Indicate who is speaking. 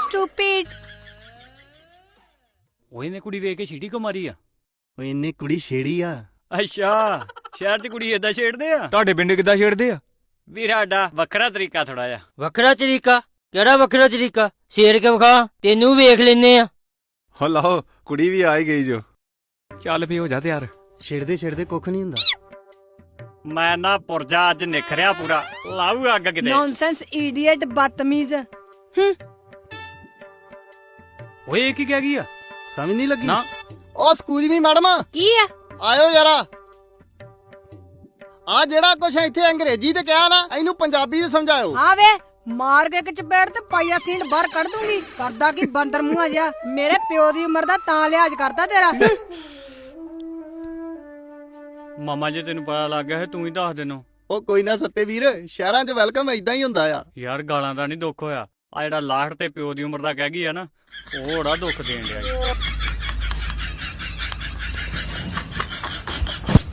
Speaker 1: Stupid.
Speaker 2: ਉਹ ਇਹਨੇ ਕੁੜੀ ਵੇਖ ਕੇ ਛੀਟੀ ਕੋ ਮਾਰੀ ਆ?
Speaker 3: ਓ ਇਹਨੇ ਕੁੜੀ ਛੇੜੀ ਆ।
Speaker 2: ਅੱਛਾ, ਸ਼ਹਿਰ 'ਚ ਕੁੜੀ ਏਦਾਂ ਛੇੜਦੇ ਆ?
Speaker 4: ਤੁਹਾਡੇ ਪਿੰਡ ਕਿੱਦਾਂ ਛੇੜਦੇ ਆ?
Speaker 2: ਵੀਰ ਸਾਡਾ ਵੱਖਰਾ ਤਰੀਕਾ ਥੋੜਾ ਜਿਹਾ।
Speaker 5: ਵੱਖਰਾ ਤਰੀਕਾ? ਕਿਹੜਾ ਵੱਖਰਾ ਤਰੀਕਾ? ਸ਼ੇਰ ਕੇ ਵਿਖਾ, ਤੈਨੂੰ ਵੇਖ ਲੈਨੇ ਆ।
Speaker 4: ਹੋ ਲਾਓ, ਕੁੜੀ ਵੀ ਆ ਹੀ ਗਈ ਜੋ। ਚੱਲ ਵੀ ਹੋ ਜਾ ਤਿਆਰ।
Speaker 3: ਛੇੜਦੇ ਕੁੱਖ ਨਹੀਂ ਹੁੰਦਾ।
Speaker 2: ਮੈਂ ਨਾ ਪੁਰਜਾ ਅੱਜ ਨਿਖਰਿਆ ਪੂਰਾ, ਲਾਊ ਅੱਗ ਕਿਤੇ।
Speaker 1: ਨੌਨਸੈਂਸ ਇਡੀਅਟ, ਬਦਤਮੀਜ਼।
Speaker 2: ਓਏ ਇਹ ਕੀ ਕਹਿ ਗਈ ਆ?
Speaker 3: ਸਮਝ ਨਹੀਂ ਲੱਗੀ
Speaker 2: ਨਾ।
Speaker 3: ਓ ਸਕੂਲ ਵੀ ਮੈਡਮ
Speaker 1: ਕੀ ਆ?
Speaker 3: ਆਇਓ ਯਾਰਾ। ਆ ਜਿਹੜਾ ਕੁਛ ਇੱਥੇ ਅੰਗਰੇਜ਼ੀ ਤੇ ਕਿਹਾ ਨਾ, ਇਹਨੂੰ ਪੰਜਾਬੀ ਚ ਸਮਝਾਇਓ।
Speaker 1: ਹਾਂ ਵੇ, ਮਾਰ ਕੇ ਇੱਕ ਚਪੇੜ ਤੇ ਪਾਈਆ ਸੀਂਡ ਬਾਹਰ ਕੱਢ ਦੂੰਗੀ। ਕਰਦਾ ਕੀ ਬੰਦਰ ਮੂੰਹਾ ਜਿਹਾ, ਮੇਰੇ ਪਿਓ ਦੀ ਉਮਰ ਦਾ ਤਾਂ ਲਿਹਾਜ਼ ਕਰਦਾ ਤੇਰਾ।
Speaker 2: ਮਾਮਾ ਜੀ ਤੈਨੂੰ ਪਤਾ ਲੱਗ ਗਿਆ ਹੈ, ਤੂੰ ਹੀ ਦੱਸ ਦੇਨੋ।
Speaker 3: ਓ ਕੋਈ ਨਾ ਸੱਤੇ ਵੀਰ, ਸ਼ਹਿਰਾਂ 'ਚ ਵੈਲਕਮ ਏਦਾਂ ਹੀ ਹੁੰਦਾ ਆ।
Speaker 2: ਯਾਰ ਗਾਲਾਂ ਦਾ ਨਹੀਂ ਦੁੱਖ ਹੋਇਆ, ਆ ਜਿਹੜਾ ਲਾਹੜ ਤੇ ਪਿਓ ਦੀ ਉਮਰ ਦਾ ਕਹਿ ਗਈ ਆ ਨਾ, ਉਹ ਬੜਾ ਦੁੱਖ ਦੇਣ ਡਿਆ।